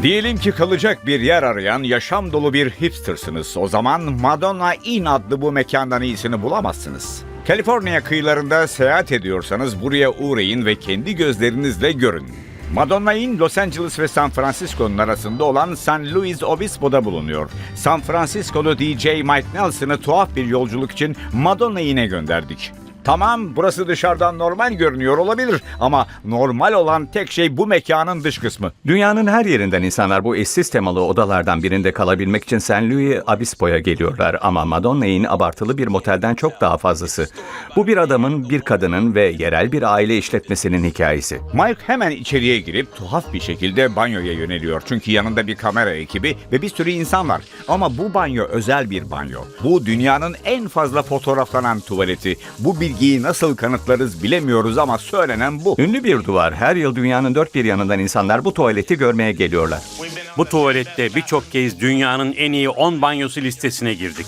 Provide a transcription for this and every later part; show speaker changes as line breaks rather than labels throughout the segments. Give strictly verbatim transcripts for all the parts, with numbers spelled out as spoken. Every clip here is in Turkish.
Diyelim ki kalacak bir yer arayan yaşam dolu bir hipstersınız. O zaman Madonna Inn adlı bu mekandan iyisini bulamazsınız. Kaliforniya kıyılarında seyahat ediyorsanız buraya uğrayın ve kendi gözlerinizle görün. Madonna Inn, Los Angeles ve San Francisco'nun arasında olan San Luis Obispo'da bulunuyor. San Francisco'lu D J Mike Nelson'ı tuhaf bir yolculuk için Madonna Inn'e gönderdik. Tamam, burası dışarıdan normal görünüyor olabilir ama normal olan tek şey bu mekanın dış kısmı.
Dünyanın her yerinden insanlar bu eşsiz temalı odalardan birinde kalabilmek için San Luis Obispo'ya geliyorlar ama Madonna'nın abartılı bir motelden çok daha fazlası. Bu bir adamın, bir kadının ve yerel bir aile işletmesinin hikayesi.
Mike hemen içeriye girip tuhaf bir şekilde banyoya yöneliyor. Çünkü yanında bir kamera ekibi ve bir sürü insan var. Ama bu banyo özel bir banyo. Bu dünyanın en fazla fotoğraflanan tuvaleti. Bu bilgiyi nasıl kanıtlarız bilemiyoruz ama söylenen bu.
Ünlü bir duvar. Her yıl dünyanın dört bir yanından insanlar bu tuvaleti görmeye geliyorlar.
Bu tuvalette birçok kez dünyanın en iyi on banyosu listesine girdik.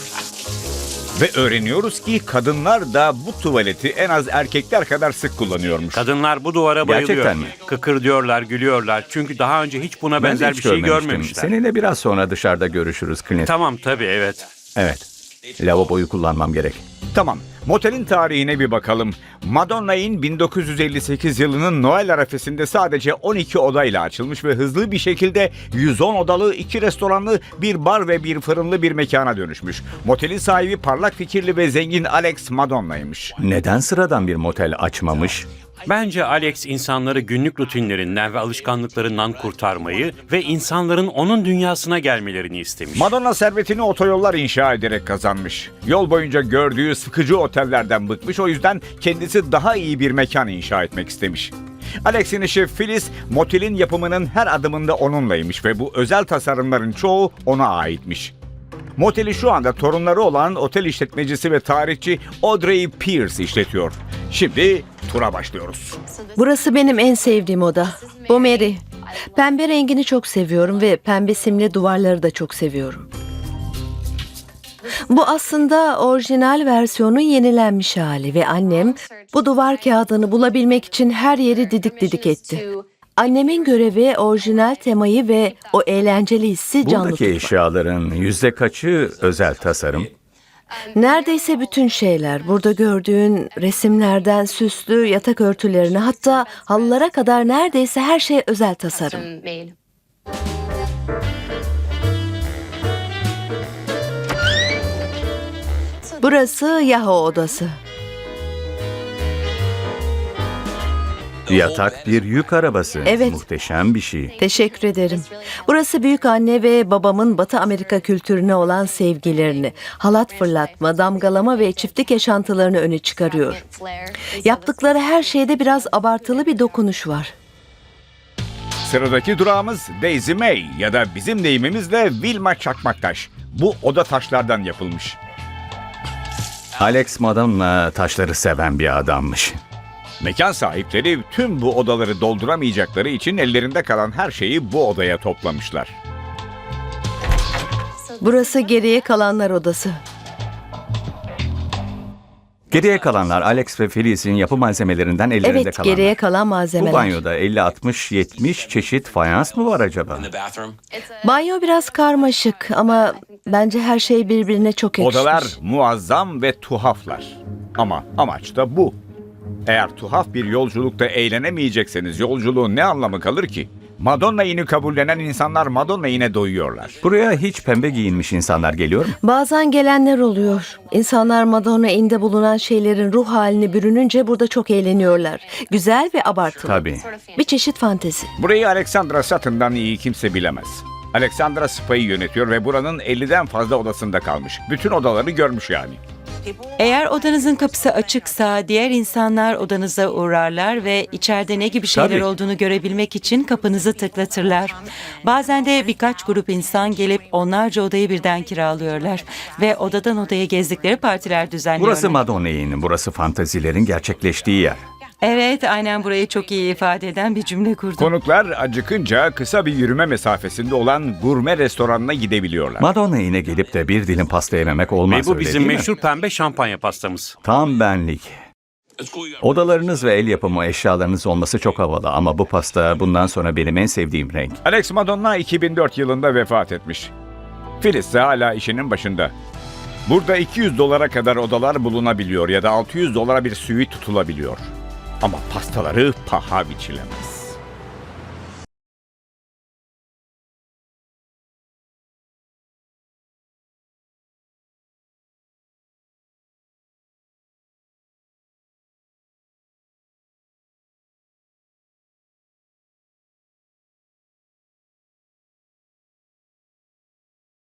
Ve öğreniyoruz ki kadınlar da bu tuvaleti en az erkekler kadar sık kullanıyormuş.
Kadınlar bu duvara bayılıyor.
Gerçekten mi?
Kıkırdıyorlar, gülüyorlar. Çünkü daha önce hiç buna
Ben
benzer
hiç
bir şey
görmemiştim.
görmemişler.
Seninle biraz sonra dışarıda görüşürüz Clint.
Tamam tabii, evet.
Evet. Lavaboyu kullanmam gerek.
Tamam, motelin tarihine bir bakalım. Madonna Inn bin dokuz yüz elli sekiz yılının Noel arifesinde sadece on iki odayla açılmış ve hızlı bir şekilde yüz on odalı, iki restoranlı, bir bar ve bir fırınlı bir mekana dönüşmüş. Motelin sahibi parlak fikirli ve zengin Alex Madonna'ymış.
Neden sıradan bir motel açmamış?
Bence Alex insanları günlük rutinlerinden ve alışkanlıklarından kurtarmayı ve insanların onun dünyasına gelmelerini istemiş.
Madonna servetini otoyollar inşa ederek kazanmış. Yol boyunca gördüğü sıkıcı otellerden bıkmış, o yüzden kendisi daha iyi bir mekan inşa etmek istemiş. Alex'in eşi Phyllis, motelin yapımının her adımında onunlaymış ve bu özel tasarımların çoğu ona aitmiş. Moteli şu anda torunları olan otel işletmecisi ve tarihçi Audrey Pierce işletiyor. Şimdi tura başlıyoruz.
Burası benim en sevdiğim oda. Bu Mary. Pembe rengini çok seviyorum ve pembe simli duvarları da çok seviyorum. Bu aslında orijinal versiyonun yenilenmiş hali ve annem bu duvar kağıdını bulabilmek için her yeri didik didik etti. Annemin görevi orijinal temayı ve o eğlenceli hissi canlı
Buradaki
tutmak.
eşyaların yüzde kaçı özel tasarım?
Neredeyse bütün şeyler, burada gördüğün resimlerden süslü yatak örtülerine, hatta halılara kadar neredeyse her şey özel tasarım. Burası Yahoo odası.
Yatak bir yük arabası.
Evet.
Muhteşem bir şey.
Teşekkür ederim. Burası büyük anne ve babamın Batı Amerika kültürüne olan sevgilerini, halat fırlatma, damgalama ve çiftlik yaşantılarını öne çıkarıyor. Yaptıkları her şeyde biraz abartılı bir dokunuş var.
Sıradaki durağımız Daisy May ya da bizim deyimimizle Vilma Çakmaktaş. Bu oda taşlardan yapılmış.
Alex Madonna taşları seven bir adammış.
Mekan sahipleri tüm bu odaları dolduramayacakları için ellerinde kalan her şeyi bu odaya toplamışlar.
Burası geriye kalanlar odası.
Geriye kalanlar Alex ve Phyllis'in yapı malzemelerinden ellerinde
Evet,
kalanlar.
geriye kalan
Bu
malzemeler.
banyoda elli altmış yetmiş çeşit fayans mı var acaba?
Banyo biraz karmaşık ama bence her şey birbirine çok yakışmış.
Odalar muazzam ve tuhaflar. Ama amaç da bu. Eğer tuhaf bir yolculukta eğlenemeyecekseniz yolculuğun ne anlamı kalır ki? Madonna Inn'i kabullenen insanlar Madonna Inn'e doyuyorlar.
Buraya hiç pembe giyinmiş insanlar geliyor mu?
Bazen gelenler oluyor. İnsanlar Madonna Inn'de bulunan şeylerin ruh haline bürününce burada çok eğleniyorlar. Güzel ve abartılı.
Tabii.
Bir çeşit fantezi.
Burayı Alexandra Sutton'dan iyi kimse bilemez. Alexandra Spa'yı yönetiyor ve buranın elliden fazla odasında kalmış. Bütün odaları görmüş yani.
Eğer odanızın kapısı açıksa diğer insanlar odanıza uğrarlar ve içeride ne gibi şeyler
Tabii.
olduğunu görebilmek için kapınızı tıklatırlar. Bazen de birkaç grup insan gelip onlarca odayı birden kiralıyorlar ve odadan odaya gezdikleri partiler düzenliyorlar.
Burası Madonna'nın, burası fantazilerin gerçekleştiği yer.
Evet, aynen burayı çok iyi ifade eden bir cümle kurdum.
Konuklar acıkınca kısa bir yürüme mesafesinde olan gurme restoranına gidebiliyorlar.
Madonna'ya gelip de bir dilim pasta yememek olmaz,
Ve bu
öyle
bizim
değil mi?
meşhur pembe şampanya pastamız.
Tam benlik. Odalarınız ve el yapımı eşyalarınız olması çok havalı ama bu pasta bundan sonra benim en sevdiğim renk.
Alex Madonna iki bin dört yılında vefat etmiş. Phyllis ise hala işinin başında. Burada iki yüz dolara kadar odalar bulunabiliyor ya da altı yüz dolara bir suite tutulabiliyor. Ama pastaları paha biçilemez.